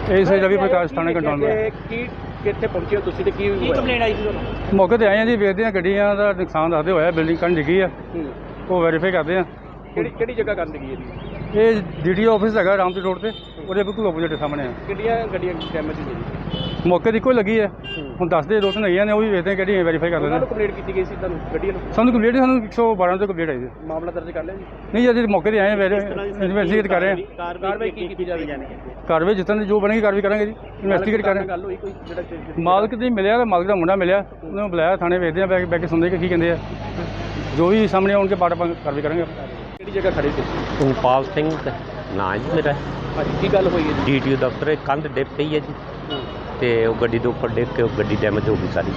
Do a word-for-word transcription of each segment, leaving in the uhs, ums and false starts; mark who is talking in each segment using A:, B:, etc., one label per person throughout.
A: ਇਹ ਸਹੀ ਰਵੀ ਪ੍ਰਕਾਸ਼ ਥਾਣੇ ਕੰਟਰੋਲ
B: ਤੇ ਕੀ ਕਿੱਥੇ ਪਹੁੰਚੇ ਹੋ ਤੁਸੀਂ ਤੇ ਕੀ
C: ਕੀ ਕੰਪਲੇਂਟ ਆਈ ਸੀ ਤੁਹਾਨੂੰ?
A: ਮੌਕੇ ਤੇ ਆਏ ਆ ਜੀ, ਵੇਖਦੇ ਆ ਗੱਡੀਆਂ ਦਾ ਨੁਕਸਾਨ ਦੱਸਦੇ ਹੋਇਆ, ਬਿਲਡਿੰਗ ਕੰਨ ਡਿੱਗੀ ਆ,
B: ਹੂੰ।
A: ਉਹ ਵੈਰੀਫਾਈ ਕਰਦੇ ਆ।
B: ਕਿਹੜੀ ਕਿਹੜੀ ਜਗ੍ਹਾ ਕਰਨ ਲੱਗੀ ਇਹਦੀ?
A: ਇਹ ਡੀਡੀਓ ਆਫਿਸ ਹੈਗਾ ਰਾਮਪੁਰ ਰੋਡ ਤੇ, ਉਹਦੇ ਬਿਲਕੁਲ ਆਪੋਜ਼ਿਟ ਸਾਹਮਣੇ ਆ।
B: ਕਿਹੜੀਆਂ ਗੱਡੀਆਂ ਡੈਮੇਜ ਹੋਈ?
A: ਮੌਕੇ ਦੀ ਇੱਕੋ ਲੱਗੀ ਹੈ, ਹੁਣ ਦੱਸਦੇ ਦੋ ਤਿੰਨ ਹੈਗੀਆਂ ਨੇ, ਉਹ ਵੀ ਵੇਖਦੇ ਆ ਕਿਹੜੀਆਂ ਵੈਰੀਫਾਈ ਕਰਦੇ
B: ਉਹਨਾਂ
A: ਨੇ।
B: ਨੂੰ ਕੰਪਲੇਂਟ ਕੀਤੀ ਗਈ ਸੀ ਤੁਹਾਨੂੰ ਗੱਡੀਆਂ ਨੂੰ?
A: ਸਾਨੂੰ ਕੰਪਲੀਟ ਸਾਨੂੰ ਇੱਕ ਸੌ ਬਾਰਾਂ ਤੋਂ ਕੰਪਲੀਟ ਆਈ ਸੀ।
B: ਮਾਮਲਾ ਦਰਜ ਕਰ ਲਿਆ ਜੀ?
A: ਨਹੀਂ ਅਜੇ ਮੌਕੇ ਤੇ ਆਏ ਆ, ਇਨਵੈਸਟੀਗੇਟ ਕਰ ਰਹੇ ਆ।
B: ਕਾਰਵਾਈ ਕੀ ਕੀਤੀ ਜਾਵੇ?
A: ਕਾਰਵਾਈ ਜਿੱਦਾਂ ਦੀ ਜੋ ਬਣੇਗੀ ਕਾਰਵਾਈ ਕਰਾਂਗੇ ਜੀ, ਇਨਵੈਸਟੀਗੇਟ ਕਰ ਰਹੇ
B: ਗੱਲ ਹੋਈ ਕੋਈ ਜਿਹੜਾ
A: ਆ। ਮਾਲਕ ਦੀ ਮਿਲਿਆ ਤੇ ਮਾਲਕ ਦਾ ਮੁੰਡਾ ਮਿਲਿਆ, ਉਹਨੂੰ ਬੁਲਾਇਆ ਥਾਣੇ, ਵੇਖਦੇ ਆ ਬੈ ਬੈ ਕੇ ਸੁਣਦੇ ਕਿ ਕੀ ਕਹਿੰਦੇ ਆ, ਜੋ ਵੀ ਸਾਹਮਣੇ ਆਉਣਗੇ ਬਾਅਦ ਆਪਾਂ ਕਾਰਵਾਈ ਕਰਾਂਗੇ।
B: ਕਿਹੜੀ ਜਗ੍ਹਾ ਖੜੇ ਸੀ?
D: ਉਪਾਲ ਸਿੰਘ ਨਾਂ ਜੀ ਮੇਰਾ,
B: ਹਾਂਜੀ ਕੀ ਗੱਲ ਹੋਈ ਹੈ ਜੀ?
D: ਡੀਟੀਓ ਦਫ਼ਤਰ ਕੰਧ ਡਿੱਗ ਪਈ ਹੈ ਜੀ, ਤੇ ਉਹ ਗੱਡੀ ਦੇ ਉੱਪਰ ਡਿੱਗ ਕੇ ਉਹ ਗੱਡੀ ਡੈਮੇਜ ਹੋ ਗਈ ਸਾਰੀ।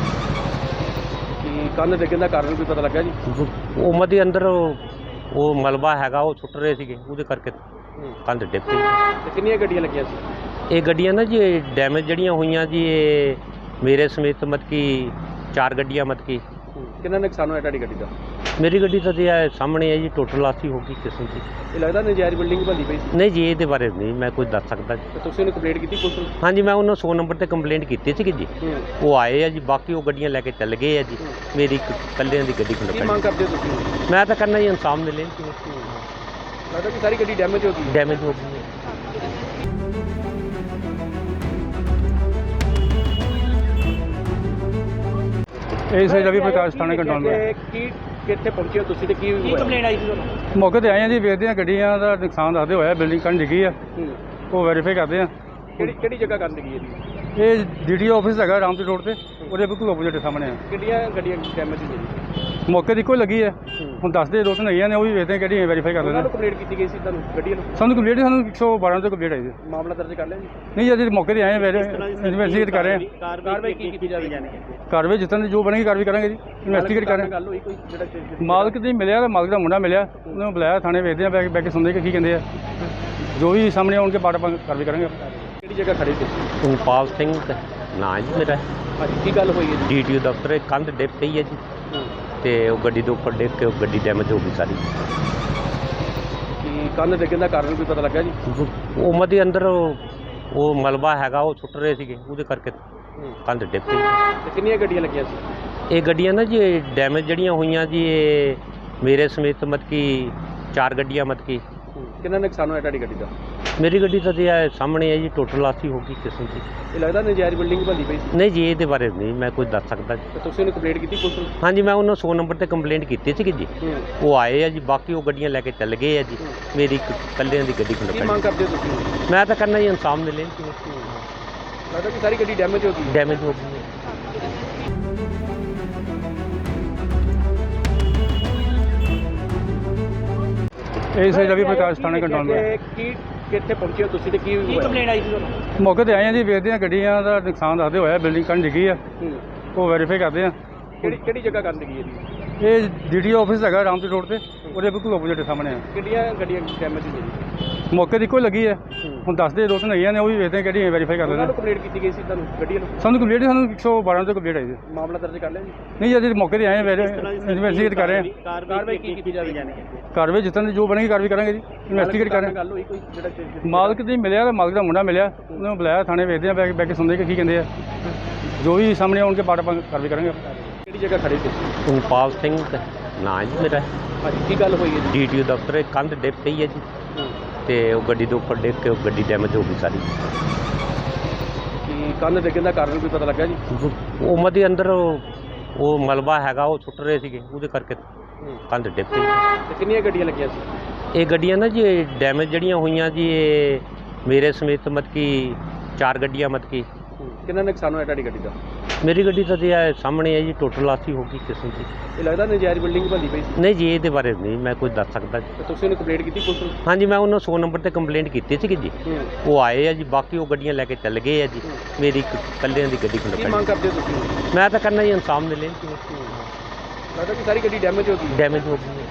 B: ਕੀ ਕੰਨ ਡਿੱਗਣ ਦਾ ਕਾਰਨ ਕੋਈ ਪਤਾ ਲੱਗਾ ਜੀ?
D: ਉਹ ਮਦੇ ਅੰਦਰ ਉਹ ਉਹ ਮਲਬਾ ਹੈਗਾ, ਉਹ ਸੁੱਟ ਰਹੇ ਸੀਗੇ, ਉਹਦੇ ਕਰਕੇ ਕੰਧ ਡਿੱਗ ਪਈ।
B: ਤੇ ਕਿੰਨੀਆਂ ਗੱਡੀਆਂ ਲੱਗੀਆਂ ਸੀ?
D: ਇਹ ਗੱਡੀਆਂ ਨਾ ਜੀ ਡੈਮੇਜ ਜਿਹੜੀਆਂ ਹੋਈਆਂ ਜੀ, ਇਹ ਮੇਰੇ ਸਮੇਤ ਮਤ ਕੀ ਚਾਰ ਗੱਡੀਆਂ ਮਤ ਕੀ।
B: ਕਿੰਨਾ ਨੁਕਸਾਨ ਹੋਇਆ ਤੁਹਾਡੀ ਗੱਡੀ ਦਾ?
D: ਮੇਰੀ ਗੱਡੀ ਤਾਂ ਜੀ ਇਹ ਸਾਹਮਣੇ ਹੈ ਜੀ, ਟੋਟਲ ਲਾਸੀ ਹੋ ਗਈ ਕਿਸਮ ਦੀ।
B: ਇਹ ਲੱਗਦਾ ਨਜਾਇਜ਼ ਬਿਲਡਿੰਗ ਬਣਦੀ ਪਈ ਸੀ?
D: ਨਹੀਂ ਜੀ, ਇਹਦੇ ਬਾਰੇ ਨਹੀਂ ਮੈਂ ਕੁਝ ਦੱਸ ਸਕਦਾ ਜੀ।
B: ਤੇ ਤੁਸੀਂ ਉਹਨੂੰ ਕੰਪਲੇਂਟ ਕੀਤੀ ਪੁਲਿਸ ਨੂੰ?
D: ਹਾਂਜੀ, ਮੈਂ ਉਹਨਾਂ ਸੌ ਨੰਬਰ ਤੇ ਕੰਪਲੇਂਟ ਕੀਤੀ ਸੀਗੀ ਜੀ, ਉਹ ਆਏ ਆ ਜੀ, ਬਾਕੀ ਉਹ ਗੱਡੀਆਂ ਲੈ ਕੇ ਚੱਲ ਗਏ ਆ ਜੀ। ਮੇਰੀ ਇੱਕ ਇਕੱਲਿਆਂ ਦੀ ਗੱਡੀ
B: ਕੀ ਮੰਗ
D: ਖੰਡ
B: ਕਰਦੇ ਹੋ ਤੁਸੀਂ?
D: ਮੈਂ ਤਾਂ ਕਰਨਾ ਜੀ ਇਨਸਾਫ ਮਿਲੇ।
B: ਲੱਗਦਾ ਕਿ ਸਾਰੀ ਗੱਡੀ ਡੈਮੇਜ ਹੋ ਗਈ?
D: ਡੈਮੇਜ ਹੋ ਗਈ ਹੈ।
A: ਇਹ ਸਹੀ ਰਵੀ ਪ੍ਰਕਾਸ਼ ਥਾਣੇ ਕੰਟਰੋਲ
B: ਤੇ ਕੀ ਕਿੱਥੇ ਪਹੁੰਚੇ ਹੋ ਤੁਸੀਂ ਤੇ ਕੀ
C: ਕੀ ਕੰਪਲੇਂਟ ਆਈ ਸੀ ਤੁਹਾਨੂੰ?
A: ਮੌਕੇ ਤੇ ਆਏ ਆ ਜੀ, ਵੇਖਦੇ ਆ ਗੱਡੀਆਂ ਦਾ ਨੁਕਸਾਨ ਦੱਸਦੇ ਹੋਇਆ, ਬਿਲਡਿੰਗ ਕੰਨ ਡਿੱਗੀ ਆ, ਉਹ ਵੈਰੀਫਾਈ ਕਰਦੇ ਆ।
B: ਕਿਹੜੀ ਕਿਹੜੀ ਜਗ੍ਹਾ ਕਰਨ ਲੱਗੀ ਇਹਦੀ?
A: ਇਹ ਡੀਡੀਓ ਆਫਿਸ ਹੈਗਾ ਰਾਮਪੁਰ ਰੋਡ ਤੇ, ਉਹਦੇ ਬਿਲਕੁਲ ਆਪੋਜ਼ਿਟ ਸਾਹਮਣੇ ਆ।
B: ਕਿਹੜੀਆਂ ਗੱਡੀਆਂ ਡੈਮੇਜ ਹੋਈ?
A: ਮੌਕੇ ਦੀ ਇੱਕੋ ਲੱਗੀ ਹੈ, ਹੁਣ ਦੱਸਦੇ ਦੋ ਤਿੰਨ ਹੈਗੀਆਂ ਨੇ, ਉਹ ਵੀ ਵੇਖਦੇ ਆ ਕਿਹੜੀਆਂ ਵੈਰੀਫਾਈ ਕਰਦੇ
B: ਉਹਨਾਂ
A: ਨੇ।
B: ਨੂੰ ਕੰਪਲੇਂਟ ਕੀਤੀ ਗਈ ਸੀ ਤੁਹਾਨੂੰ ਗੱਡੀਆਂ ਨੂੰ?
A: ਸਾਨੂੰ ਕੰਪਲੀਟ ਸਾਨੂੰ ਇੱਕ ਸੌ ਬਾਰਾਂ ਤੋਂ ਕੰਪਲੀਟ ਆਈ ਸੀ।
B: ਮਾਮਲਾ ਦਰਜ ਕਰ ਲਿਆ ਜੀ?
A: ਨਹੀਂ ਅਜੇ ਮੌਕੇ ਤੇ ਆਏ ਆ, ਇਨਵੈਸਟੀਗੇਟ ਕਰ ਰਹੇ ਆ।
B: ਕਾਰਵਾਈ ਕੀ ਕੀਤੀ ਜਾਵੇ?
A: ਕਾਰਵਾਈ ਜਿੱਦਾਂ ਦੀ ਜੋ ਬਣੇਗੀ ਕਾਰਵਾਈ ਕਰਾਂਗੇ ਜੀ, ਇਨਵੈਸਟੀਗੇਟ ਕਰ ਰਹੇ ਆ।
B: ਗੱਲ ਹੋਈ ਕੋਈ ਜਿਹੜਾ
A: ਮਾਲਕ ਦੀ ਮਿਲਿਆ ਤੇ ਮਾਲਕ ਦਾ ਮੁੰਡਾ ਮਿਲਿਆ, ਉਹਨੂੰ ਬੁਲਾਇਆ ਥਾਣੇ, ਵੇਖਦੇ ਆ ਬੈ ਬੈ ਕੇ ਸੁਣਦੇ ਕਿ ਕੀ ਕਹਿੰਦੇ ਆ, ਜੋ ਵੀ ਸਾਹਮਣੇ ਆਉਣਗੇ ਬਾਅਦ ਆਪਾਂ ਕਾਰਵਾਈ ਕਰਾਂਗੇ।
B: ਕਿਹੜੀ ਜਗ੍ਹਾ ਖੜੇ ਸੀ?
D: ਉਪਾਲ ਸਿੰਘ ਨਾਂ ਜੀ ਮੇਰਾ,
B: ਹਾਂਜੀ ਕੀ ਗੱਲ ਹੋਈ ਹੈ ਜੀ?
D: ਡੀਟੀਓ ਦਫ਼ਤਰ ਕੰਧ ਡਿੱਗ ਪਈ ਹੈ ਜੀ, ਤੇ ਉਹ ਗੱਡੀ ਦੇ ਉੱਪਰ ਡਿੱਗ ਕੇ ਉਹ ਗੱਡੀ ਡੈਮੇਜ ਹੋ ਗਈ ਸਾਰੀ।
B: ਕੀ ਕੰਨ ਡਿੱਗਣ ਦਾ ਕਾਰਨ ਕੋਈ ਪਤਾ ਲੱਗਾ ਜੀ?
D: ਉਹ ਮਦੇ ਅੰਦਰ ਉਹ ਉਹ ਮਲਬਾ ਹੈਗਾ, ਉਹ ਸੁੱਟ ਰਹੇ ਸੀਗੇ, ਉਹਦੇ ਕਰਕੇ ਕੰਧ ਡਿੱਗ ਪਈ।
B: ਤੇ ਕਿੰਨੀਆਂ ਗੱਡੀਆਂ ਲੱਗੀਆਂ ਸੀ?
D: ਇਹ ਗੱਡੀਆਂ ਨਾ ਜੀ ਡੈਮੇਜ ਜਿਹੜੀਆਂ ਹੋਈਆਂ ਜੀ, ਇਹ ਮੇਰੇ ਸਮੇਤ ਮਤ ਕੀ ਚਾਰ ਗੱਡੀਆਂ ਮਤ ਕੀ।
B: ਕਿੰਨਾ ਨੁਕਸਾਨ ਹੋਇਆ ਤੁਹਾਡੀ ਗੱਡੀ ਦਾ?
D: ਮੇਰੀ ਗੱਡੀ ਤਾਂ ਜੀ ਇਹ ਸਾਹਮਣੇ ਹੈ ਜੀ, ਟੋਟਲ ਲਾਸੀ ਹੋ ਗਈ ਕਿਸਮ ਦੀ।
B: ਇਹ ਲੱਗਦਾ ਨਜਾਇਜ਼ ਬਿਲਡਿੰਗ ਬਣਦੀ ਪਈ ਸੀ?
D: ਨਹੀਂ ਜੀ, ਇਹਦੇ ਬਾਰੇ ਨਹੀਂ ਮੈਂ ਕੁਝ ਦੱਸ ਸਕਦਾ ਜੀ।
B: ਤੇ ਤੁਸੀਂ ਉਹਨੂੰ ਕੰਪਲੇਂਟ ਕੀਤੀ ਪੁਲਿਸ ਨੂੰ?
D: ਹਾਂਜੀ, ਮੈਂ ਉਹਨਾਂ ਸੌ ਨੰਬਰ ਤੇ ਕੰਪਲੇਂਟ ਕੀਤੀ ਸੀਗੀ ਜੀ, ਉਹ ਆਏ ਆ ਜੀ, ਬਾਕੀ ਉਹ ਗੱਡੀਆਂ ਲੈ ਕੇ ਚੱਲ ਗਏ ਆ ਜੀ। ਮੇਰੀ ਇੱਕ ਇਕੱਲਿਆਂ ਦੀ ਗੱਡੀ
B: ਕੀ ਮੰਗ
D: ਖੰਡ
B: ਕਰਦੇ ਹੋ ਤੁਸੀਂ?
D: ਮੈਂ ਤਾਂ ਕਰਨਾ ਜੀ ਇਨਸਾਫ ਮਿਲੇ।
B: ਲੱਗਦਾ ਕਿ ਸਾਰੀ ਗੱਡੀ ਡੈਮੇਜ ਹੋ ਗਈ?
D: ਡੈਮੇਜ ਹੋ ਗਈ ਹੈ।
A: ਇਹ ਸਹੀ ਰਵੀ ਪ੍ਰਕਾਸ਼ ਥਾਣੇ ਕੰਟਰੋਲ
B: ਤੇ ਕੀ ਕਿੱਥੇ ਪਹੁੰਚੇ ਹੋ ਤੁਸੀਂ ਤੇ ਕੀ
C: ਕੀ ਕੰਪਲੇਂਟ ਆਈ ਸੀ ਤੁਹਾਨੂੰ?
A: ਮੌਕੇ ਤੇ ਆਏ ਆ ਜੀ, ਵੇਖਦੇ ਆ ਗੱਡੀਆਂ ਦਾ ਨੁਕਸਾਨ ਦੱਸਦੇ ਹੋਇਆ, ਬਿਲਡਿੰਗ ਕੰਨ ਡਿੱਗੀ ਆ, ਉਹ ਵੈਰੀਫਾਈ ਕਰਦੇ ਆ।
B: ਕਿਹੜੀ ਕਿਹੜੀ ਜਗ੍ਹਾ ਕਰਨ ਲੱਗੀ ਇਹਦੀ?
A: ਇਹ ਡੀਡੀਓ ਆਫਿਸ ਹੈਗਾ ਰਾਮਪੁਰ ਰੋਡ ਤੇ, ਉਹਦੇ ਬਿਲਕੁਲ ਆਪੋਜ਼ਿਟ ਸਾਹਮਣੇ ਆ।
B: ਕਿਹੜੀਆਂ ਗੱਡੀਆਂ ਡੈਮੇਜ ਹੋਈ?
A: ਮੌਕੇ ਦੀ ਇੱਕੋ ਲੱਗੀ ਹੈ, ਹੁਣ ਦੱਸਦੇ ਦੋ ਤਿੰਨ ਹੈਗੀਆਂ ਨੇ, ਉਹ ਵੀ ਵੇਖਦੇ ਆ ਕਿਹੜੀਆਂ ਵੈਰੀਫਾਈ ਕਰਦੇ
B: ਉਹਨਾਂ
A: ਨੇ।
B: ਨੂੰ ਕੰਪਲੇਂਟ ਕੀਤੀ ਗਈ ਸੀ ਤੁਹਾਨੂੰ ਗੱਡੀਆਂ ਨੂੰ?
A: ਸਾਨੂੰ ਕੰਪਲੀਟ ਸਾਨੂੰ ਇੱਕ ਸੌ ਬਾਰਾਂ ਤੋਂ ਕੰਪਲੀਟ ਆਈ ਸੀ।
B: ਮਾਮਲਾ ਦਰਜ ਕਰ ਲਿਆ ਜੀ?
A: ਨਹੀਂ ਅਜੇ ਮੌਕੇ ਤੇ ਆਏ ਆ, ਇਨਵੈਸਟੀਗੇਟ ਕਰ ਰਹੇ ਆ।
B: ਕਾਰਵਾਈ ਕੀ ਕੀਤੀ ਜਾਵੇ?
A: ਕਾਰਵਾਈ ਜਿੱਦਾਂ ਦੀ ਜੋ ਬਣੇਗੀ ਕਾਰਵਾਈ ਕਰਾਂਗੇ ਜੀ, ਇਨਵੈਸਟੀਗੇਟ ਕਰ ਰਹੇ ਆ।
B: ਗੱਲ ਹੋਈ ਕੋਈ ਜਿਹੜਾ
A: ਮਾਲਕ ਦੀ ਮਿਲਿਆ ਤੇ ਮਾਲਕ ਦਾ ਮੁੰਡਾ ਮਿਲਿਆ, ਉਹਨੂੰ ਬੁਲਾਇਆ ਥਾਣੇ, ਵੇਖਦੇ ਆ ਬੈ ਬੈ ਕੇ ਸੁਣਦੇ ਕਿ ਕੀ ਕਹਿੰਦੇ ਆ, ਜੋ ਵੀ ਸਾਹਮਣੇ ਆਉਣਗੇ ਬਾਅਦ ਆਪਾਂ ਕਾਰਵਾਈ ਕਰਾਂਗੇ।
B: ਕਿਹੜੀ ਜਗ੍ਹਾ ਖੜੇ ਸੀ?
D: ਉਪਾਲ ਸਿੰਘ ਨਾਂ ਜੀ ਮੇਰਾ,
B: ਹਾਂਜੀ ਕੀ ਗੱਲ ਹੋਈ ਹੈ ਜੀ?
D: ਡੀਟੀਓ ਦਫ਼ਤਰ ਕੰਧ ਡਿੱਗ ਪਈ ਹੈ ਜੀ, ਤੇ ਉਹ ਗੱਡੀ ਦੇ ਉੱਪਰ ਡਿੱਗ ਕੇ ਉਹ ਗੱਡੀ ਡੈਮੇਜ ਹੋ ਗਈ ਸਾਰੀ।
B: ਕੀ ਕੰਨ ਡਿੱਗਣ ਦਾ ਕਾਰਨ ਕੋਈ ਪਤਾ ਲੱਗਾ ਜੀ?
D: ਉਹ ਮਦੇ ਅੰਦਰ ਉਹ ਉਹ ਮਲਬਾ ਹੈਗਾ, ਉਹ ਸੁੱਟ ਰਹੇ ਸੀਗੇ, ਉਹਦੇ ਕਰਕੇ ਕੰਧ ਡਿੱਗ ਪਈ।
B: ਤੇ ਕਿੰਨੀਆਂ ਗੱਡੀਆਂ ਲੱਗੀਆਂ ਸੀ?
D: ਇਹ ਗੱਡੀਆਂ ਨਾ ਜੀ ਡੈਮੇਜ ਜਿਹੜੀਆਂ ਹੋਈਆਂ ਜੀ, ਇਹ ਮੇਰੇ ਸਮੇਤ ਮਤ ਕੀ ਚਾਰ ਗੱਡੀਆਂ ਮਤ ਕੀ।
B: ਕਿੰਨਾ ਨੁਕਸਾਨ ਹੋਇਆ ਤੁਹਾਡੀ ਗੱਡੀ ਦਾ?
D: ਮੇਰੀ ਗੱਡੀ ਤਾਂ ਜੀ ਇਹ ਸਾਹਮਣੇ ਹੈ ਜੀ, ਟੋਟਲ ਲਾਸੀ ਹੋ ਗਈ ਕਿਸਮ ਦੀ।
B: ਇਹ ਲੱਗਦਾ ਨਜਾਇਜ਼ ਬਿਲਡਿੰਗ ਬਣਦੀ ਪਈ ਸੀ?
D: ਨਹੀਂ ਜੀ, ਇਹਦੇ ਬਾਰੇ ਨਹੀਂ ਮੈਂ ਕੁਝ ਦੱਸ ਸਕਦਾ ਜੀ।
B: ਤੇ ਤੁਸੀਂ ਉਹਨੂੰ ਕੰਪਲੇਂਟ ਕੀਤੀ ਪੁਲਿਸ ਨੂੰ?
D: ਹਾਂਜੀ, ਮੈਂ ਉਹਨਾਂ ਸੌ ਨੰਬਰ ਤੇ ਕੰਪਲੇਂਟ ਕੀਤੀ ਸੀਗੀ ਜੀ, ਉਹ ਆਏ ਆ ਜੀ, ਬਾਕੀ ਉਹ ਗੱਡੀਆਂ ਲੈ ਕੇ ਚੱਲ ਗਏ ਆ ਜੀ। ਮੇਰੀ ਇੱਕ ਇਕੱਲਿਆਂ ਦੀ ਗੱਡੀ
B: ਕੀ
D: ਖੰਡ
B: ਮੰਗ ਕਰਦੇ ਹੋ ਤੁਸੀਂ?
D: ਮੈਂ ਤਾਂ ਕਰਨਾ ਜੀ ਇਨਸਾਫ ਮਿਲੇ।
B: ਲੱਗਦਾ ਕਿ ਸਾਰੀ ਗੱਡੀ ਡੈਮੇਜ ਹੋ ਗਈ?
D: ਡੈਮੇਜ ਹੋ ਗਈ ਹੈ।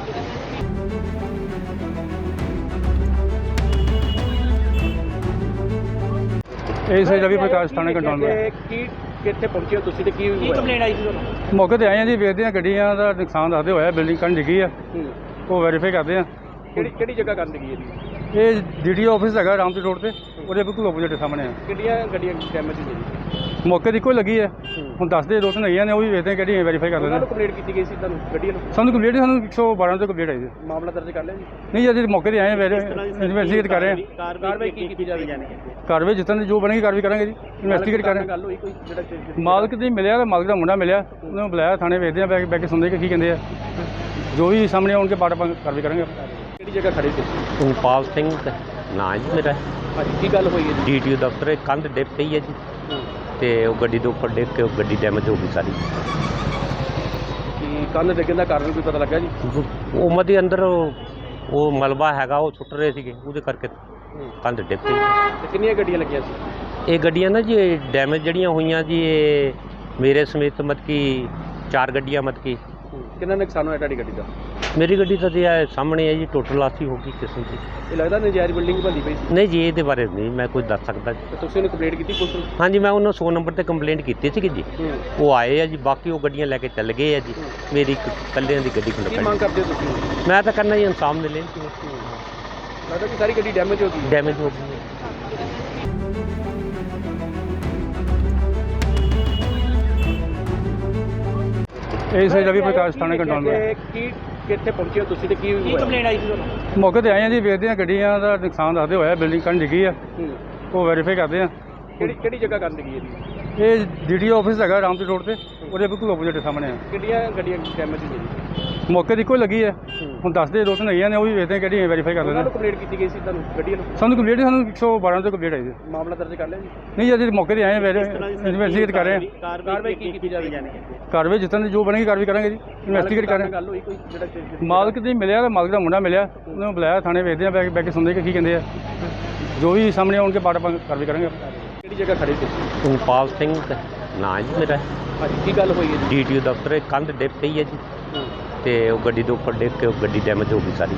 A: ਇਹ ਸਹੀ ਰਵੀ ਪ੍ਰਕਾਸ਼ ਥਾਣੇ ਕੰਟਰੋਲ
B: ਤੇ ਕੀ ਕਿੱਥੇ ਪਹੁੰਚੇ ਹੋ ਤੁਸੀਂ ਤੇ ਕੀ
C: ਕੀ ਕੰਪਲੇਂਟ ਆਈ ਸੀ ਤੁਹਾਨੂੰ?
A: ਮੌਕੇ ਤੇ ਆਏ ਆ ਜੀ, ਵੇਖਦੇ ਆ ਗੱਡੀਆਂ ਦਾ ਨੁਕਸਾਨ ਦੱਸਦੇ ਹੋਇਆ, ਬਿਲਡਿੰਗ ਕੰਨ ਡਿੱਗੀ ਆ, ਉਹ ਵੈਰੀਫਾਈ ਕਰਦੇ ਆ।
B: ਕਿਹੜੀ ਕਿਹੜੀ ਜਗ੍ਹਾ ਕਰਨ ਲੱਗੀ ਇਹਦੀ?
A: ਇਹ ਡੀਡੀਓ ਆਫਿਸ ਹੈਗਾ ਰਾਮਪੁਰ ਰੋਡ ਤੇ, ਉਹਦੇ ਬਿਲਕੁਲ ਆਪੋਜ਼ਿਟ ਸਾਹਮਣੇ ਆ।
B: ਕਿੰਨੀਆਂ ਗੱਡੀਆਂ ਡੈਮੇਜ ਹੋਈਆਂ ਜੀ?
A: ਮੌਕੇ ਤੇ ਇੱਕੋ ਹੀ ਲੱਗੀ ਹੈ। ਹੁਣ ਦੱਸਦੇ ਦੋ ਤਿੰਨ ਹੈਗੀਆਂ ਨੇ, ਉਹ ਵੀ ਵੇਖਦੇ ਕਿਹੜੀ ਵੈਰੀਫਾਈ ਕਰ
B: ਉਹਨਾਂ
A: ਲੈਂਦੇ
B: ਨੂੰ ਕੰਪਲੇਂਟ ਕੀਤੀ ਗਈ ਸੀ ਤੁਹਾਨੂੰ ਗੱਡੀਆਂ ਨੂੰ?
A: ਸਾਨੂੰ ਕੰਪਲੀਟ ਸਾਨੂੰ ਇੱਕ ਸੌ ਬਾਰਾਂ ਤੋਂ ਕੰਪਲੀਟ ਆਈ ਜੀ।
B: ਮਾਮਲਾ ਦਰਜ ਕਰ ਲਿਆ ਜੀ?
A: ਨਹੀਂ ਅਜੇ ਮੌਕੇ ਤੇ ਆਏ ਹਾਂ, ਇਨਵੈਸਟੀਗੇਟ ਕਰ ਰਹੇ ਹਾਂ।
B: ਕਾਰਵਾਈ ਕੀ ਕੀਤੀ ਜਾਵੇ?
A: ਕਾਰਵਾਈ ਜਿੱਦਾਂ ਦੀ ਜੋ ਬਣੇਗੀ ਕਾਰਵਾਈ ਕਰਾਂਗੇ ਜੀ। ਇਨਵੈਸਟੀਗੇਟ ਕਰ ਰਹੇ
B: ਗੱਲ ਹੋਈ ਕੋਈ ਜਿਹੜਾ
A: ਹਾਂ। ਮਾਲਕ ਦੀ ਮਿਲਿਆ ਤਾਂ ਮਾਲਕ ਦਾ ਮੁੰਡਾ ਮਿਲਿਆ, ਉਹਨੂੰ ਬੁਲਾਇਆ ਥਾਣੇ, ਵੇਖਦੇ ਆ ਬੈ ਬੈ ਕੇ ਸੁਣਦੇ ਕਿ ਕੀ ਕਹਿੰਦੇ ਆ। ਜੋ ਵੀ ਸਾਹਮਣੇ ਆਉਣਗੇ ਪਾਟ ਆਪਾਂ ਕਾਰਵਾਈ ਕਰਾਂਗੇ।
B: ਕਿਹੜੀ ਜਗ੍ਹਾ ਖੜੇ ਸੀ?
D: ਤੁਮਪਾਲ ਸਿੰਘ ਨਾਂ ਜੀ ਮੇਰਾ।
B: ਹਾਂਜੀ, ਕੀ ਗੱਲ ਹੋਈ ਹੈ ਜੀ?
D: ਡੀਟੀਓ ਦਫ਼ਤਰ ਇੱਕ ਕੰਧ ਡਿੱਗ ਪਈ ਹੈ ਜੀ, ਤੇ ਉਹ ਗੱਡੀ ਦੇ ਉੱਪਰ ਡਿੱਗ ਕੇ ਉਹ ਗੱਡੀ ਡੈਮੇਜ ਹੋ ਗਈ ਸਾਰੀ।
B: ਕੀ ਕੰਨ ਡਿੱਗਣ ਦਾ ਕਾਰਨ ਕੋਈ ਪਤਾ ਲੱਗਾ ਜੀ?
D: ਉਹ ਮਦੇ ਅੰਦਰ ਉਹ ਉਹ ਮਲਬਾ ਹੈਗਾ, ਉਹ ਸੁੱਟ ਰਹੇ ਸੀਗੇ, ਉਹਦੇ ਕਰਕੇ ਕੰਧ ਡਿੱਗ ਪਈ।
B: ਤੇ ਕਿੰਨੀਆਂ ਗੱਡੀਆਂ ਲੱਗੀਆਂ ਸੀ?
D: ਇਹ ਗੱਡੀਆਂ ਨਾ ਜੀ ਡੈਮੇਜ ਜਿਹੜੀਆਂ ਹੋਈਆਂ ਜੀ, ਇਹ ਮੇਰੇ ਸਮੇਤ ਮਤਲਬ ਕਿ ਚਾਰ ਗੱਡੀਆਂ ਮਤਲਬ ਕਿ।
B: ਕਿੰਨਾ ਨੁਕਸਾਨ ਹੋਇਆ ਤੁਹਾਡੀ ਗੱਡੀ ਦਾ?
D: ਮੇਰੀ ਗੱਡੀ ਤਾਂ ਜੀ ਇਹ ਸਾਹਮਣੇ ਹੈ ਜੀ, ਟੋਟਲ ਲਾਸੀ ਹੋ ਗਈ ਕਿਸਮ ਦੀ।
B: ਇਹ ਲੱਗਦਾ ਨਜਾਇਜ਼ ਬਿਲਡਿੰਗ ਬਣਦੀ ਪਈ ਸੀ?
D: ਨਹੀਂ ਜੀ, ਇਹਦੇ ਬਾਰੇ ਨਹੀਂ ਮੈਂ ਕੁਝ ਦੱਸ ਸਕਦਾ ਜੀ।
B: ਤੇ ਤੁਸੀਂ ਉਹਨੂੰ ਕੰਪਲੇਂਟ ਕੀਤੀ ਪੁਲਿਸ ਨੂੰ?
D: ਹਾਂਜੀ, ਮੈਂ ਉਹਨਾਂ ਸੌ ਨੰਬਰ ਤੇ ਕੰਪਲੇਂਟ ਕੀਤੀ ਸੀਗੀ ਜੀ। ਉਹ ਆਏ ਆ ਜੀ, ਬਾਕੀ ਉਹ ਗੱਡੀਆਂ ਲੈ ਕੇ ਚੱਲ ਗਏ ਆ ਜੀ। ਮੇਰੀ ਇੱਕ ਇਕੱਲਿਆਂ ਦੀ ਗੱਡੀ
B: ਕੀ
D: ਖੜਕਾਈ।
B: ਮੰਗ ਕਰਦੇ ਹੋ ਤੁਸੀਂ?
D: ਮੈਂ ਤਾਂ ਕਰਨਾ ਜੀ ਇਨਸਾਫ ਮਿਲੇ।
B: ਲੱਗਦਾ ਕਿ ਸਾਰੀ ਗੱਡੀ ਡੈਮੇਜ ਹੋ ਗਈ ਹੈ।
D: ਡੈਮੇਜ ਹੋ ਗਈ ਹੈ।
A: ਇਹ ਸੇ ਰਵੀ ਪ੍ਰਕਾਸ਼ ਥਾਣੇ ਕੰਟਰੋਲ
B: ਤੇ
A: में
B: ਕੀ ਕਿੱਥੇ ਪਹੁੰਚੇ ਹੋ ਤੁਸੀਂ ਤੇ ਕੀ
C: ਕੀ
B: ਹੋਇਆ?
C: ਕੰਪਲੇਂਟ ਆਈ ਸੀ ਤੁਹਾਨੂੰ?
A: ਮੌਕੇ ਤੇ ਆਏ ਹਾਂ ਜੀ, ਵੇਖਦੇ ਹਾਂ ਗੱਡੀਆਂ ਦਾ ਨੁਕਸਾਨ ਦੱਸਦੇ ਹੋਇਆ, ਬਿਲਡਿੰਗ ਕੰਨ ਡਿੱਗੀ ਆ,
B: ਹੂੰ।
A: ਉਹ ਵੈਰੀਫਾਈ ਕਰਦੇ ਆ।
B: ਕਿਹੜੀ ਕਿਹੜੀ ਜਗ੍ਹਾ ਕਰਨ ਲੱਗੀ ਹੈ ਜੀ?
A: ਇਹ ਡੀਡੀਓ ਆਫਿਸ ਹੈਗਾ ਰਾਮਪੁਰ ਰੋਡ ਤੇ, ਉਹਦੇ ਬਿਲਕੁਲ ਆਪੋਜ਼ਿਟ ਸਾਹਮਣੇ ਆ।
B: ਕਿੰਨੀਆਂ ਗੱਡੀਆਂ ਡੈਮੇਜ ਹੋਈਆਂ ਜੀ?
A: ਮੌਕੇ ਤੇ ਇੱਕੋ ਹੀ ਲੱਗੀ ਹੈ। ਹੁਣ ਦੱਸਦੇ ਦੋ ਤਿੰਨ ਹੈਗੀਆਂ ਨੇ, ਉਹ ਵੀ ਵੇਖਦੇ ਕਿਹੜੀ ਵੈਰੀਫਾਈ ਕਰ
B: ਉਹਨਾਂ
A: ਲੈਂਦੇ
B: ਨੂੰ ਕੰਪਲੇਂਟ ਕੀਤੀ ਗਈ ਸੀ ਤੁਹਾਨੂੰ ਗੱਡੀਆਂ ਨੂੰ?
A: ਸਾਨੂੰ ਕੰਪਲੀਟ ਸਾਨੂੰ ਇੱਕ ਸੌ ਬਾਰਾਂ ਤੋਂ ਕੰਪਲੀਟ ਆਈ ਜੀ।
B: ਮਾਮਲਾ ਦਰਜ ਕਰ ਲਿਆ ਜੀ?
A: ਨਹੀਂ ਅਜੇ ਮੌਕੇ ਤੇ ਆਏ ਹਾਂ, ਇਨਵੈਸਟੀਗੇਟ ਕਰ ਰਹੇ ਹਾਂ।
B: ਕਾਰਵਾਈ ਕੀ ਕੀਤੀ ਜਾਵੇ?
A: ਕਾਰਵਾਈ ਜਿੱਦਾਂ ਦੀ ਜੋ ਬਣੇਗੀ ਕਾਰਵਾਈ ਕਰਾਂਗੇ ਜੀ। ਇਨਵੈਸਟੀਗੇਟ ਕਰ ਰਹੇ
B: ਗੱਲ ਹੋਈ ਕੋਈ ਜਿਹੜਾ
A: ਹਾਂ। ਮਾਲਕ ਦੀ ਮਿਲਿਆ ਤਾਂ ਮਾਲਕ ਦਾ ਮੁੰਡਾ ਮਿਲਿਆ, ਉਹਨੂੰ ਬੁਲਾਇਆ ਥਾਣੇ, ਵੇਖਦੇ ਆ ਬੈ ਬੈ ਕੇ ਸੁਣਦੇ ਕਿ ਕੀ ਕਹਿੰਦੇ ਆ। ਜੋ ਵੀ ਸਾਹਮਣੇ ਆਉਣਗੇ ਪਾਟ ਆਪਾਂ ਕਾਰਵਾਈ ਕਰਾਂਗੇ।
B: ਕਿਹੜੀ ਜਗ੍ਹਾ ਖੜੇ ਸੀ?
D: ਤੁਮਪਾਲ ਸਿੰਘ ਨਾਂ ਜੀ ਮੇਰਾ।
B: ਹਾਂਜੀ, ਕੀ ਗੱਲ ਹੋਈ ਹੈ ਜੀ?
D: ਡੀਟੀਓ ਦਫ਼ਤਰ ਇੱਕ ਕੰਧ ਡਿੱਗ ਪਈ ਹੈ ਜੀ, ਤੇ ਉਹ ਗੱਡੀ ਦੇ ਉੱਪਰ ਡਿੱਗ ਕੇ ਉਹ ਗੱਡੀ ਡੈਮੇਜ ਹੋ ਗਈ ਸਾਰੀ।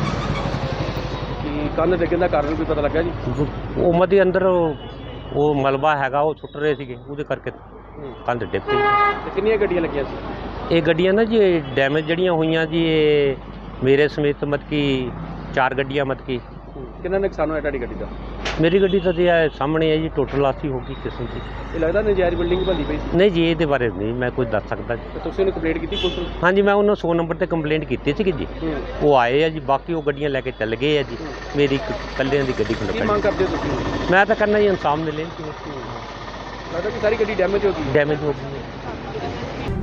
B: ਕੀ ਕੰਨ ਡਿੱਗਣ ਦਾ ਕਾਰਨ ਕੋਈ ਪਤਾ ਲੱਗਾ ਜੀ?
D: ਉਹ ਮਦੇ ਅੰਦਰ ਉਹ ਉਹ ਮਲਬਾ ਹੈਗਾ, ਉਹ ਸੁੱਟ ਰਹੇ ਸੀਗੇ, ਉਹਦੇ ਕਰਕੇ ਕੰਧ ਡਿੱਗ ਪਈ।
B: ਤੇ ਕਿੰਨੀਆਂ ਗੱਡੀਆਂ ਲੱਗੀਆਂ ਸੀ?
D: ਇਹ ਗੱਡੀਆਂ ਨਾ ਜੀ ਡੈਮੇਜ ਜਿਹੜੀਆਂ ਹੋਈਆਂ ਜੀ, ਇਹ ਮੇਰੇ ਸਮੇਤ ਮਤਲਬ ਕਿ ਚਾਰ ਗੱਡੀਆਂ ਮਤਲਬ ਕਿ।
B: ਕਿੰਨਾ ਨੁਕਸਾਨ ਹੋਇਆ ਤੁਹਾਡੀ ਗੱਡੀ ਦਾ?
D: ਮੇਰੀ ਗੱਡੀ ਤਾਂ ਜੀ ਇਹ ਸਾਹਮਣੇ ਹੈ ਜੀ, ਟੋਟਲ ਲਾਸੀ ਹੋ ਗਈ ਕਿਸਮ ਦੀ।
B: ਇਹ ਲੱਗਦਾ ਨਜਾਇਜ਼ ਬਿਲਡਿੰਗ ਬਣਦੀ ਪਈ ਸੀ?
D: ਨਹੀਂ ਜੀ, ਇਹਦੇ ਬਾਰੇ ਨਹੀਂ ਮੈਂ ਕੁਝ ਦੱਸ ਸਕਦਾ ਜੀ।
B: ਤੇ ਤੁਸੀਂ ਉਹਨੂੰ ਕੰਪਲੇਂਟ ਕੀਤੀ ਪੁਲਿਸ ਨੂੰ?
D: ਹਾਂਜੀ, ਮੈਂ ਉਹਨਾਂ ਸੌ ਨੰਬਰ ਤੇ ਕੰਪਲੇਂਟ ਕੀਤੀ ਸੀਗੀ ਜੀ। ਉਹ ਆਏ ਆ ਜੀ, ਬਾਕੀ ਉਹ ਗੱਡੀਆਂ ਲੈ ਕੇ ਚੱਲ ਗਏ ਆ ਜੀ। ਮੇਰੀ ਇੱਕ ਇਕੱਲਿਆਂ ਦੀ ਗੱਡੀ
B: ਕੀ
D: ਖੜਕਾਈ।
B: ਮੰਗ ਕਰਦੇ ਹੋ ਤੁਸੀਂ?
D: ਮੈਂ ਤਾਂ ਕਰਨਾ ਜੀ ਇਨਸਾਫ ਮਿਲੇ।
B: ਲੱਗਦਾ ਕਿ ਸਾਰੀ ਗੱਡੀ ਡੈਮੇਜ ਹੋ ਗਈ ਹੈ।
D: ਡੈਮੇਜ ਹੋ ਗਈ ਹੈ।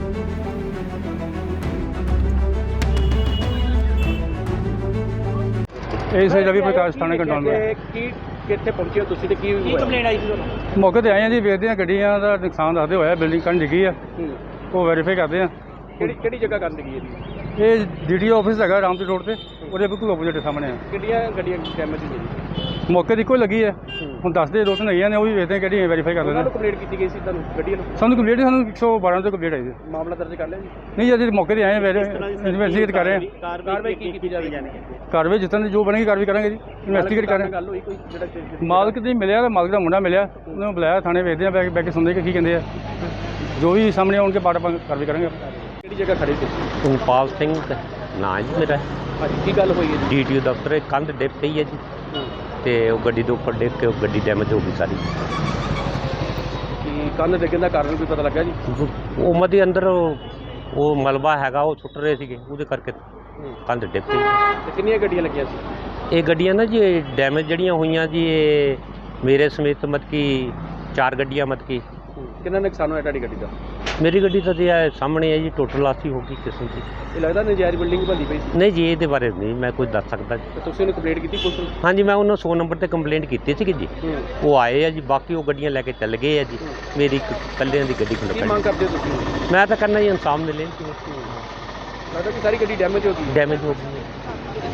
A: ਇਹ ਸੇ ਰਵੀ ਪ੍ਰਕਾਸ਼ ਥਾਣੇ ਕੰਟਰੋਲ में
B: ਤੇ ਕੀ ਕਿੱਥੇ ਪਹੁੰਚੇ ਹੋ ਤੁਸੀਂ ਤੇ ਕੀ
C: ਕੀ
B: ਹੋਇਆ?
C: ਕੰਪਲੇਂਟ ਆਈ ਸੀ ਤੁਹਾਨੂੰ?
A: ਮੌਕੇ ਤੇ ਆਏ ਹਾਂ ਜੀ, ਵੇਖਦੇ ਹਾਂ ਗੱਡੀਆਂ ਦਾ ਨੁਕਸਾਨ ਦੱਸਦੇ ਹੋਇਆ, ਬਿਲਡਿੰਗ ਕੰਨ ਡਿੱਗੀ ਆ,
B: ਹੂੰ।
A: ਉਹ ਵੈਰੀਫਾਈ ਕਰਦੇ ਆ।
B: ਕਿਹੜੀ ਕਿਹੜੀ ਜਗ੍ਹਾ ਕਰਨ ਲੱਗੀ ਹੈ ਜੀ?
A: ਇਹ ਡੀਡੀਓ ਆਫਿਸ ਹੈਗਾ ਰਾਮਪੁਰ ਰੋਡ ਤੇ, ਉਹਦੇ ਬਿਲਕੁਲ ਆਪੋਜ਼ਿਟ ਸਾਹਮਣੇ ਆ।
B: ਕਿੰਨੀਆਂ ਗੱਡੀਆਂ ਡੈਮੇਜ ਹੋਈਆਂ ਜੀ?
A: ਮੌਕੇ ਤੇ ਇੱਕੋ ਹੀ ਲੱਗੀ ਹੈ। ਹੁਣ ਦੱਸਦੇ ਦੋ ਤਿੰਨ ਹੈਗੀਆਂ ਨੇ, ਉਹ ਵੀ ਵੇਖਦੇ ਕਿਹੜੀ ਵੈਰੀਫਾਈ ਕਰ
B: ਉਹਨਾਂ
A: ਲੈਂਦੇ
B: ਨੂੰ ਕੰਪਲੇਂਟ ਕੀਤੀ ਗਈ ਸੀ ਤੁਹਾਨੂੰ ਗੱਡੀਆਂ ਨੂੰ?
A: ਸਾਨੂੰ ਕੰਪਲੀਟ ਸਾਨੂੰ ਇੱਕ ਸੌ ਬਾਰਾਂ ਤੋਂ ਕੰਪਲੀਟ ਆਈ ਜੀ।
B: ਮਾਮਲਾ ਦਰਜ ਕਰ ਲਿਆ ਜੀ?
A: ਨਹੀਂ ਅਜੇ ਮੌਕੇ ਤੇ ਆਏ ਹਾਂ, ਇਨਵੈਸਟੀਗੇਟ ਕਰ ਰਹੇ ਹਾਂ।
B: ਕਾਰਵਾਈ ਕੀ ਕੀਤੀ ਜਾਵੇ?
A: ਕਾਰਵਾਈ ਜਿੱਦਾਂ ਦੀ ਜੋ ਬਣੇਗੀ ਕਾਰਵਾਈ ਕਰਾਂਗੇ ਜੀ। ਇਨਵੈਸਟੀਗੇਟ ਕਰ ਰਹੇ ਹਾਂ।
B: ਗੱਲ ਹੋਈ ਕੋਈ ਜਿਹੜਾ
A: ਮਾਲਕ ਦੀ ਮਿਲਿਆ ਤਾਂ ਮਾਲਕ ਦਾ ਮੁੰਡਾ ਮਿਲਿਆ, ਉਹਨੂੰ ਬੁਲਾਇਆ ਥਾਣੇ, ਵੇਖਦੇ ਆ ਬੈ ਬੈ ਕੇ ਸੁਣਦੇ ਕਿ ਕੀ ਕਹਿੰਦੇ ਆ। ਜੋ ਵੀ ਸਾਹਮਣੇ ਆਉਣਗੇ ਪਾਟ ਆਪਾਂ ਕਾਰਵਾਈ ਕਰਾਂਗੇ।
B: ਕਿਹੜੀ ਜਗ੍ਹਾ ਖੜੇ ਸੀ?
D: ਤੁਮਪਾਲ ਸਿੰਘ ਨਾਂ ਜੀ ਮੇਰਾ।
B: ਹਾਂਜੀ, ਕੀ ਗੱਲ ਹੋਈ ਹੈ ਜੀ?
D: ਡੀਟੀਓ ਦਫ਼ਤਰ ਇੱਕ ਕੰਧ ਡਿੱਗ ਪਈ ਹੈ ਜੀ, ਤੇ ਉਹ ਗੱਡੀ ਦੇ ਉੱਪਰ ਡਿੱਗ ਕੇ ਉਹ ਗੱਡੀ ਡੈਮੇਜ ਹੋ ਗਈ ਸਾਰੀ।
B: ਕੀ ਕੰਨ ਡਿੱਗਣ ਦਾ ਕਾਰਨ ਕੋਈ ਪਤਾ ਲੱਗਾ ਜੀ?
D: ਉਹ ਮਦੇ ਅੰਦਰ ਉਹ ਉਹ ਮਲਬਾ ਹੈਗਾ, ਉਹ ਸੁੱਟ ਰਹੇ ਸੀਗੇ, ਉਹਦੇ ਕਰਕੇ ਕੰਧ ਡਿੱਗ ਪਈ।
B: ਤੇ ਕਿੰਨੀਆਂ ਗੱਡੀਆਂ ਲੱਗੀਆਂ ਸੀ?
D: ਇਹ ਗੱਡੀਆਂ ਨਾ ਜੀ ਡੈਮੇਜ ਜਿਹੜੀਆਂ ਹੋਈਆਂ ਜੀ, ਇਹ ਮੇਰੇ ਸਮੇਤ ਮਤਲਬ ਕਿ ਚਾਰ ਗੱਡੀਆਂ ਮਤਲਬ ਕਿ।
B: ਕਿੰਨਾ ਨੁਕਸਾਨ ਹੋਇਆ ਤੁਹਾਡੀ ਗੱਡੀ ਦਾ?
D: ਮੇਰੀ ਗੱਡੀ ਤਾਂ ਜੀ ਇਹ ਸਾਹਮਣੇ ਹੈ ਜੀ, ਟੋਟਲ ਲਾਸੀ ਹੋ ਗਈ ਕਿਸਮ ਦੀ।
B: ਇਹ ਲੱਗਦਾ ਨਜਾਇਜ਼ ਬਿਲਡਿੰਗ ਬਣਦੀ ਪਈ ਸੀ?
D: ਨਹੀਂ ਜੀ, ਇਹਦੇ ਬਾਰੇ ਨਹੀਂ ਮੈਂ ਕੁਝ ਦੱਸ ਸਕਦਾ ਜੀ।
B: ਤੇ ਤੁਸੀਂ ਉਹਨੂੰ ਕੰਪਲੇਂਟ ਕੀਤੀ ਪੁਲਿਸ ਨੂੰ?
D: ਹਾਂਜੀ, ਮੈਂ ਉਹਨਾਂ ਸੌ ਨੰਬਰ ਤੇ ਕੰਪਲੇਂਟ ਕੀਤੀ ਸੀਗੀ ਜੀ। ਉਹ ਆਏ ਆ ਜੀ, ਬਾਕੀ ਉਹ ਗੱਡੀਆਂ ਲੈ ਕੇ ਚੱਲ ਗਏ ਆ ਜੀ। ਮੇਰੀ ਇੱਕ ਇਕੱਲਿਆਂ ਦੀ ਗੱਡੀ
B: ਕੀ
D: ਖੜਕਾਈ।
B: ਮੰਗ ਕਰਦੇ ਹੋ ਤੁਸੀਂ?
D: ਮੈਂ ਤਾਂ ਕਰਨਾ ਜੀ ਇਨਸਾਫ ਮਿਲੇ।
B: ਲੱਗਦਾ ਕਿ ਸਾਰੀ ਗੱਡੀ ਡੈਮੇਜ ਹੋ ਗਈ ਹੈ।
D: ਡੈਮੇਜ ਹੋ ਗਈ ਹੈ।